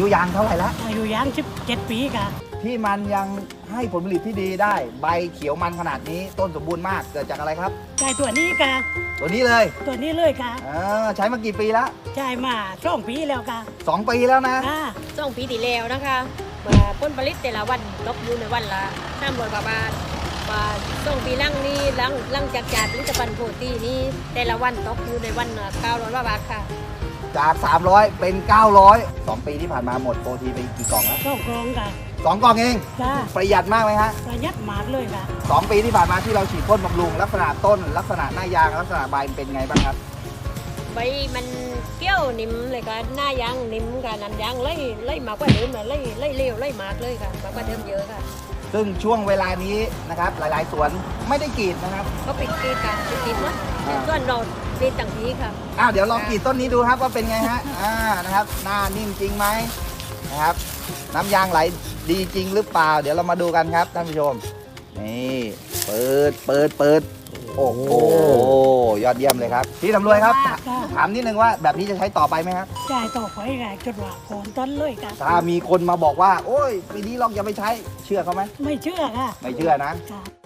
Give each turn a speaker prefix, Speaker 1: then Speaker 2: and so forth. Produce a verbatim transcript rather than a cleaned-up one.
Speaker 1: ยุยางเท่าไหร่แล้ว
Speaker 2: อายุยางสิบเจ็ดปีค่ะ
Speaker 1: ที่มันยังให้ผลผลิตที่ดีได้ ใบเขียวมันขนาดนี้ต้นสมบูรณ์มากเกิดจากอะไรครับ
Speaker 2: ใช่ตัวนี้ค่ะ
Speaker 1: ตัวนี้เลย
Speaker 2: ตัวนี้เลยค่ะ
Speaker 1: เออใช้มากี่ปีแล้ว
Speaker 2: ใช่มาสองปีแล้วค่ะ
Speaker 1: สองปีแล้วนะ
Speaker 2: ค่ะ
Speaker 3: สองปีที่แล้วนะคะมาผลผลิตแต่ละวันตกอยู่ในวันละห้าร้อยกว่าบาทมาสองปีหลังนี้หลังหลังจากจากผลิตภัณฑ์โปรตีนี้แต่ละวันตกอยู่ในวันเก้าร้อยกว่าบาทค่ะ
Speaker 1: จาก สามร้อย เป็น เก้าร้อย สองปีที่ผ่านมาหมดโปรตีนไปกี่กล่องแล้ว
Speaker 2: สองกรองค่ะ
Speaker 1: สองกล่องเอง
Speaker 2: ค่ะ
Speaker 1: ประหยัดมากไหมฮะ
Speaker 2: ประหยัดมากเลยค่ะ
Speaker 1: สองปีที่ผ่านมาที่เราฉีดพ่นบำรุงลักษณะต้น ลักษณะหน้ายางลักษณะใบเป็นไงบ้างครับ
Speaker 3: ใบมันเกี้ยวนิ่มเลยค่ะหน้ายางนิ่มค่ะน้ำยางไล่ไล่มากกว่าเดิมเลยไล่ไล่เร็วไล่มากเลยค่ะมากกว่าเดิมเยอะค่ะ
Speaker 1: ซึ่งช่วงเวลานี้นะครับหลาย ๆ สวนไม่ได้กรีดนะครับ
Speaker 3: ก็ปิดกรีดค่ะปิดกรีดหมดแต่ส่วนเรากรีดต่างทีค่ะ
Speaker 1: อ้าวเดี๋ยวลองกรีดต้นนี้ดูครับว่าเป็นไงฮะ อ่านะครับหน้านิ่มจริงไหมนะครับ น้ำยางไหลดีจริงหรือเปล่า เดี๋ยวเรามาดูกันครับท่านผู้ชมนี่เปิดเปิดเปิดโอ้โหยอดเยี่ยมเลยครับพี่สำรวยครับ
Speaker 2: ค่ะ
Speaker 1: ถามนิดนึงว่าแบบนี้จะใช้ต่อไปไหมครับ
Speaker 2: ใช่ต่อไปค่ะจนว่าโคนต้นเลยค่ะ
Speaker 1: ถ้ามีคนมาบอกว่า โอ้ยปีนี้ลองอย่าไปใช้เชื่อเขาไหม
Speaker 2: ไม่เชื่อค่ะ
Speaker 1: ไม่เชื่อนะ
Speaker 2: ค่ะ